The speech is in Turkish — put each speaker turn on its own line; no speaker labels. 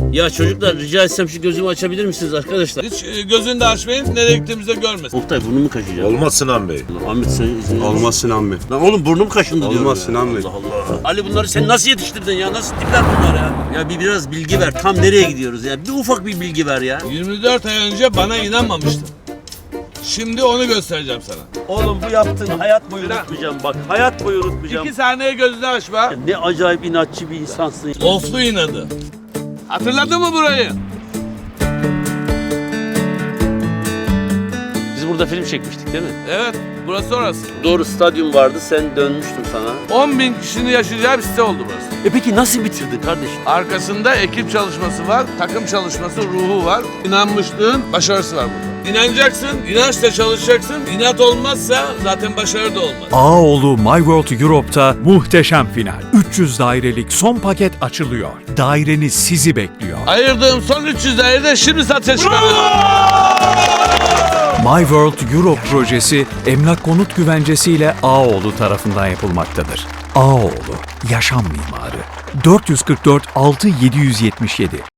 Ya çocuklar rica etsem şu gözümü açabilir misiniz arkadaşlar?
Hiç gözünü de açmayın, nereye gittiğimizde görmesin.
Oktay burnumu kaşıyacağım.
Olmaz Sinan Bey.
Ahmet sen...
Olmaz Sinan Bey.
Lan oğlum burnum kaşındı diyorum.
Olmaz
ya.
Sinan Bey.
Allah Allah. Ali bunları sen nasıl yetiştirdin ya? Nasıl tipler bunlar ya? Ya biraz bilgi ver. Tam nereye gidiyoruz ya? Bir ufak bir bilgi ver ya.
24 ay önce bana inanmamıştın. Şimdi onu göstereceğim sana.
Oğlum bu yaptığın hayat boyu unutmayacağım bak. Hayat boyu unutmayacağım.
2 saniye gözünü açma.
Ne acayip inatçı bir insansın.
Oflu inadı. Hatırladın mı burayı?
Biz burada film çekmiştik değil mi?
Evet, burası orası.
Doğru, stadyum vardı. Sen dönmüştün sana.
10.000 kişinin yaşayacağı bir site oldu burası.
Peki nasıl bitirdin kardeşim?
Arkasında ekip çalışması var, takım çalışması, ruhu var. İnanmışlığın başarısı var burada. İnanacaksın, inançla çalışacaksın. İnat olmazsa zaten başarı da olmaz.
Ağaoğlu My World Europe'da muhteşem final. 300 dairelik son paket açılıyor. Daireniz sizi bekliyor.
Ayırdığım son 300 dairede şimdi satışa çıkarıyorum.
My World Europe projesi emlak konut güvencesiyle Ağaoğlu tarafından yapılmaktadır. Ağaoğlu, yaşam mimarı. 444 6777